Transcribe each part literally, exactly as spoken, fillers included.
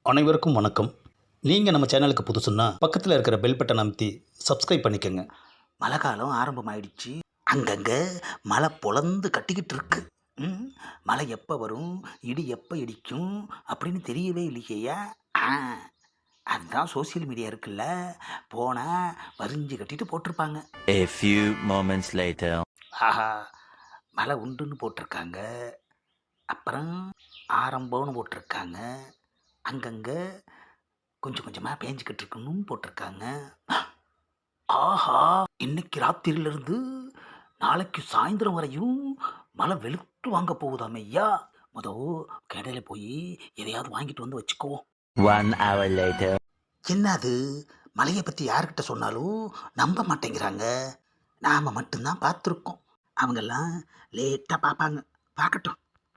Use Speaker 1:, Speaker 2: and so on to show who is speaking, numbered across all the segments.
Speaker 1: அனைவருக்கும் வணக்கம். நீங்கள் நம்ம சேனலுக்கு புதுசுன்னா பக்கத்தில் இருக்கிற பெல் பட்டன் அமைத்தி சப்ஸ்கிரைப் பண்ணிக்கோங்க.
Speaker 2: மழை காலம் ஆரம்பமாயிடுச்சு. அங்கங்கே மழை பொழந்து கட்டிக்கிட்டு இருக்கு. ம் மழை எப்போ வரும், இடி எப்போ இடிக்கும் அப்படின்னு தெரியவே இல்லையா? ஆ அதுதான் சோசியல் மீடியா இருக்குல்ல, போனால் வரிஞ்சு கட்டிட்டு போட்டிருப்பாங்க.
Speaker 3: A few moments later.
Speaker 2: ஆஹா, மழை உண்டுன்னு போட்டிருக்காங்க, அப்புறம் ஆரம்பம்னு போட்டிருக்காங்க, அங்கங்கே கொஞ்சம் கொஞ்சமாக பேஞ்சிக்கிட்டு இருக்கணும்னு போட்டிருக்காங்க. ஆஹா, இன்னைக்கு ராத்திரியிலிருந்து நாளைக்கு சாயந்தரம் வரையும் மழை வெளுத்து வாங்க போகுதாமே ஐயா. முத கடையில் போய் எதையாவது வாங்கிட்டு வந்து வச்சுக்குவோம்.
Speaker 3: One hour later.
Speaker 2: என்னது, மழையை பற்றி யார்கிட்ட சொன்னாலும் நம்ப மாட்டேங்கிறாங்க. நாம் மட்டும்தான் பார்த்துருக்கோம், அவங்கெல்லாம் லேட்டாக பார்ப்பாங்க. பார்க்கட்டும்.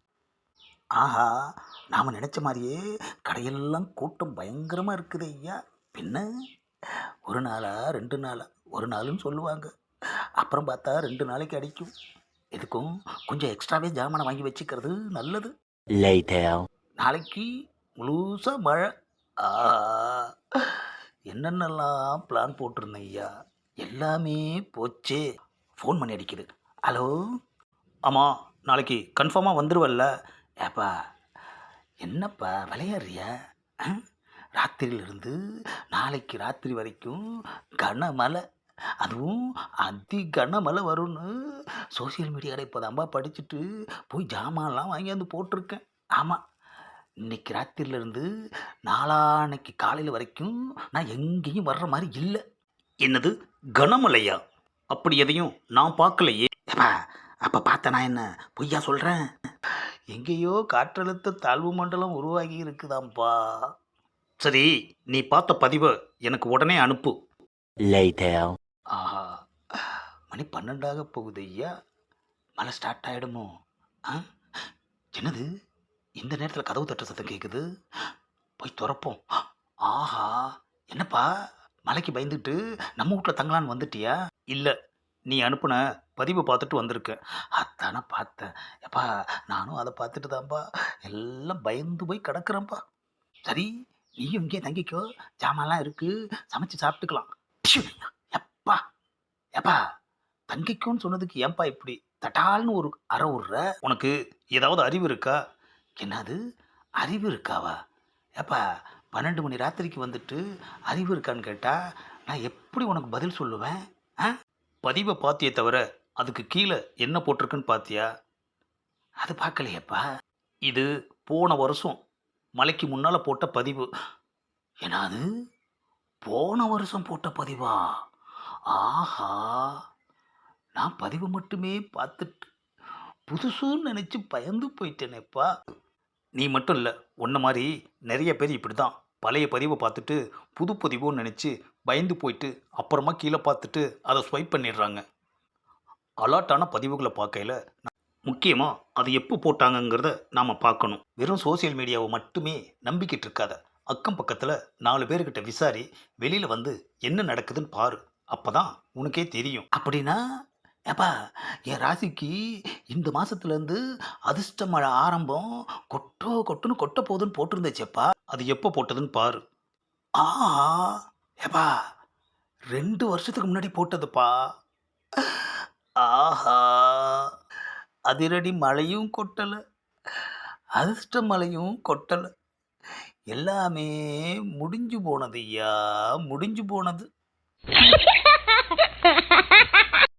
Speaker 2: ஆஹா, நாம் நினச்ச மாதிரியே கடையெல்லாம் கூட்டம் பயங்கரமாக இருக்குது ஐயா. பின்ன ஒரு நாளா ரெண்டு நாளா, ஒரு நாளுன்னு சொல்லுவாங்க, அப்புறம் பார்த்தா ரெண்டு நாளைக்கு அடிக்கும். எதுக்கும் கொஞ்சம் எக்ஸ்ட்ராவே ஜாமானை வாங்கி வச்சுக்கிறது நல்லது.
Speaker 3: Later.
Speaker 2: நாளைக்கு முழுசாக மழை. ஆஹா, என்னென்னலாம் பிளான் போட்டிருந்தேன் ஐயா, எல்லாமே போச்சே. ஃபோன் பண்ணி அடிக்குது. ஹலோ.
Speaker 1: ஆமாம், நாளைக்கு கன்ஃபார்மாக வந்துடுவல்ல?
Speaker 2: ஏப்பா, என்னப்பா விளையாடுறியா? ஆ? ராத்திரியிலிருந்து நாளைக்கு ராத்திரி வரைக்கும் கனமழை, அதுவும் அதி கனமழை வரும்னு சோசியல் மீடியாவில் இப்போ தான்பா படிச்சுட்டு போய் ஜாமான்லாம் வாங்கியாந்து போட்டிருக்கேன். ஆமாம், இன்னைக்கு ராத்திரியிலேருந்து நாளான்னைக்கு காலையில் வரைக்கும் நான் எங்கேயும் வர்ற மாதிரி இல்லை.
Speaker 1: என்னது, கனமழையா? அப்படி எதையும் நான் பார்க்கலையே.
Speaker 2: ஏப்பா, அப்போ பார்த்த நான் என்ன பொய்யா சொல்கிறேன்? எங்கேயோ காற்றழுத்த தாழ்வு மண்டலம் உருவாகி இருக்குதாம்ப்பா.
Speaker 1: சரி, நீ பார்த்த பதிவை எனக்கு உடனே அனுப்பு.
Speaker 3: Later.
Speaker 2: ஆஹா, மணி பன்னெண்டாக போகுது ஐயா. மழை ஸ்டார்ட் ஆகிடுமோ? ஆ, என்னது, இந்த நேரத்தில் கதவு தட்டுற சத்தம் கேட்குது. போய் திறப்போம். ஆஹா, என்னப்பா மலைக்கு பயந்துட்டு நம்ம வீட்டில் தங்கலான்னு வந்துட்டியா?
Speaker 1: இல்லை, நீ அனுப்புன பதிவை பார்த்துட்டு வந்திருக்கேன்.
Speaker 2: அதானே பார்த்தேன். எப்பா, நானும் அதை பார்த்துட்டு தான்ப்பா எல்லாம் பயந்து போய் கிடக்குறேன்ப்பா. சரி, நீயும் இங்கே தங்கிக்கோ, ஜாமான்லாம் இருக்குது, சமைச்சு சாப்பிட்டுக்கலாம். ப்ஷு, எப்பா எப்பா தங்கிக்கோன்னு சொன்னதுக்கு ஏன்பா இப்படி தட்டால்னு ஒரு அறை விட்ற?
Speaker 1: உனக்கு ஏதாவது அறிவு இருக்கா?
Speaker 2: என்னது, அறிவு இருக்காவா? ஏப்பா, பன்னெண்டு மணி ராத்திரிக்கு வந்துட்டு அறிவு இருக்கான்னு கேட்டால் நான் எப்படி உனக்கு பதில் சொல்லுவேன்? ஆ,
Speaker 1: பதிவை பார்த்தியே தவிர அதுக்கு கீழே என்ன போட்டிருக்குன்னு பார்த்தியா?
Speaker 2: அது பார்க்கலையேப்பா.
Speaker 1: இது போன வருஷம் மலைக்கு முன்னால் போட்ட பதிவு.
Speaker 2: என்னது, போன வருஷம் போட்ட பதிவா? ஆஹா, நான் பதிவு மட்டுமே பார்த்துட்டு புதுசுன்னு நினச்சி பயந்து போயிட்டேனேப்பா.
Speaker 1: நீ மட்டும் இல்லை, உன்ன மாதிரி நிறைய பேர் இப்படி தான் பழைய பதிவை பார்த்துட்டு புது பதிவுன்னு நினச்சி பயந்து போயிட்டு அப்புறமா கீழே பார்த்துட்டு அதை ஸ்வைப் பண்ணிடுறாங்க. அலாட்டான பதிவுகளை பார்க்கையில் முக்கியமாக அது எப்போ போட்டாங்கங்கிறத நாம் பார்க்கணும். வெறும் சோசியல் மீடியாவை மட்டுமே நம்பிக்கிட்டு இருக்காத. அக்கம் பக்கத்தில் நாலு பேர்கிட்ட விசாரி, வெளியில் வந்து என்ன நடக்குதுன்னு பாரு. அப்போ தான் உனக்கே தெரியும்.
Speaker 2: அப்படின்னா ஏப்பா, என் ராசிக்கு இந்த மாதத்துலேருந்து அதிர்ஷ்ட மழை ஆரம்பம், கொட்டோ கொட்டுன்னு கொட்ட போகுதுன்னு போட்டிருந்துச்சேப்பா.
Speaker 1: அது எப்போ போட்டதுன்னு பாரு.
Speaker 2: ஆஹா, ஏப்பா, ரெண்டு வருஷத்துக்கு முன்னாடி போட்டதுப்பா. ஆஹா, அதிரடி மழையும் கொட்டலை, அதிர்ஷ்ட மழையும் கொட்டலை, எல்லாமே முடிஞ்சு போனது ஐயா, முடிஞ்சு போனது.